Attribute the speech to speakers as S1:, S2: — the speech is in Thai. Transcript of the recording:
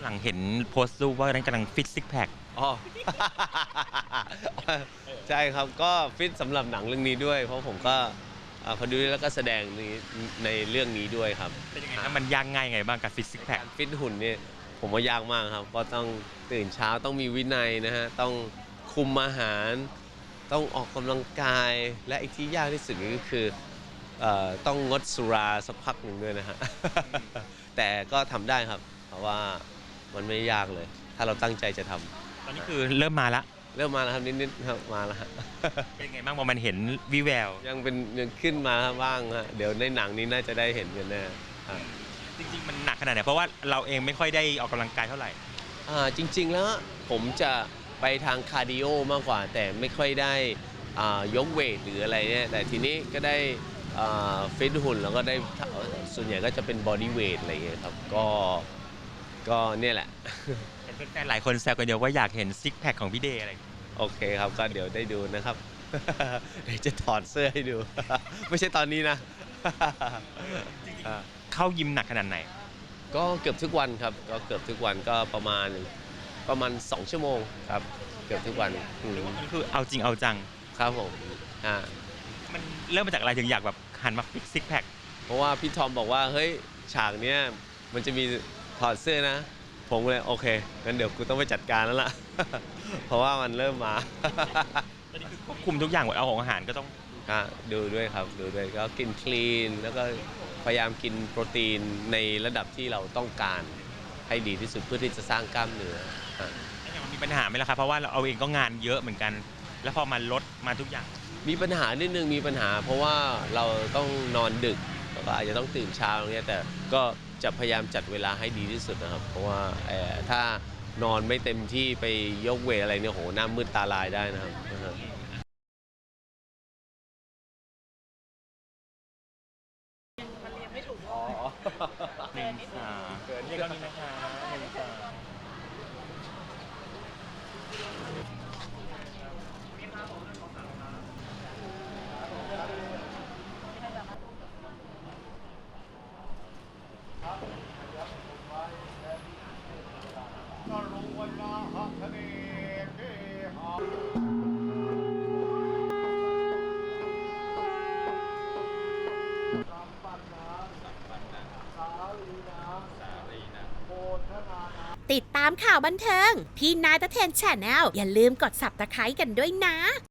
S1: หลังเห็นโพสต์รูปว่านั้นกำลังฟิตซิกแพค
S2: อ๋อ ใช่ครับก็ฟิตสำหรับหนังเรื่องนี้ด้วยเพราะผมก็พอดูแล้วก็แสดงในเรื่องนี้ด้วยครับ
S1: เป็นยังไงครับมันยากง่ายไงบ้างกับฟิตซิกแพค
S2: การฟิตหุ่นเนี่ยผมว่ายากมากครับเพราะต้องตื่นเช้าต้องมีวินัยนะฮะต้องคุมอาหารต้องออกกำลังกายและอีกที่ยากที่สุดก็คือต้องงดสุราสักพักหนึ่งด้วยนะฮะ แต่ก็ทำได้ครับเพราะว่ามันไม่ยากเลย ถ้าเราตั้งใจจะทำ
S1: ตอนนี้คือเริ่มมาละ
S2: เริ่มมาแล้วครับนิดๆครับมาแล้วฮะ
S1: เป็นไงบ้างพอมันเห็นวิแวว
S2: ยังขึ้นมาบ้างฮะเดี๋ยวในหนังนี้น่าจะได้เห็นกันแน่
S1: จริงๆมันหนักขนาดไหนเพราะว่าเราเองไม่ค่อยได้ออกกำลังกายเท่าไหร่
S2: จริงๆแล้วผมจะไปทางคาร์ดิโอมากกว่าแต่ไม่ค่อยได้ยกเวทหรืออะไรเนี่ยแต่ทีนี้ก็ได้ฟิตหุ่นแล้วก็ได้ส่วนใหญ่ก็จะเป็นบอดี้เวทอะไรเงี้ยครับก็เนี่ยแหละ
S1: เห็นแฟนๆหลายคนแซวกันเยอะว่าอยากเห็นซิกแพคของพี่เดย์อะไร
S2: โอเคครับก็เดี๋ยวได้ดูนะครับ เดี๋ยวจะถอดเสื้อให้ดู ไม่ใช่ตอนนี้นะ
S1: เข้ายิมหนักขนาดไหน
S2: ก็เกือบทุกวันครับก็เกือบทุกวันก็ประมาณ2 ชั่วโมงครับเกือบทุกวัน
S1: นี่คือเอาจริงเอาจัง
S2: ครับผม
S1: มันเริ่มมาจากอะไรถึงอยากแบบหันมาฟิกซิกแพค
S2: เพราะว่าพี่ทอมบอกว่าเฮ้ยฉากเนี้ยมันจะมีถอดเสื้อนะผมเลยโอเคงั้นเดี๋ยวกูต้องไปจัดการแล้วล่ะ เพราะว่ามันเริ่มมา
S1: ตอนนี้คือควบคุมทุกอย่างหมดเอาของอาหารก็ต้อง
S2: ดูด้วยครับดูด้วยก็กินคลีนแล้วก็พยายามกินโปรตีนในระดับที่เราต้องการให้ดีที่สุดเพื่อที่จะสร้างกล้ามเนื้อ
S1: มันมีปัญหาไหมล่ะครับเพราะว่าเราเองก็งานเยอะเหมือนกันแล้วพอมาลดมาทุกอย่าง
S2: มีปัญหานิดนึงมีปัญหาเพราะว่าเราต้องนอนดึกแล้วก็อาจจะต้องตื่นเช้าอย่างเงี้ยแต่ก็จะพยายามจัดเวลาให้ดีที่สุดนะครับเพราะว่าถ้านอนไม่เต็มที่ไปยกเวทอะไรเนี่ยโหหน้ามืดตาลายได้นะครับ
S1: หนึ่งสามเรียกเรานี้นะคะหนึ่งสาม
S3: ติดตามข่าวบันเทิงพี่นายตะเทนแชนแนลอย่าลืมกด Subscribe กันด้วยนะ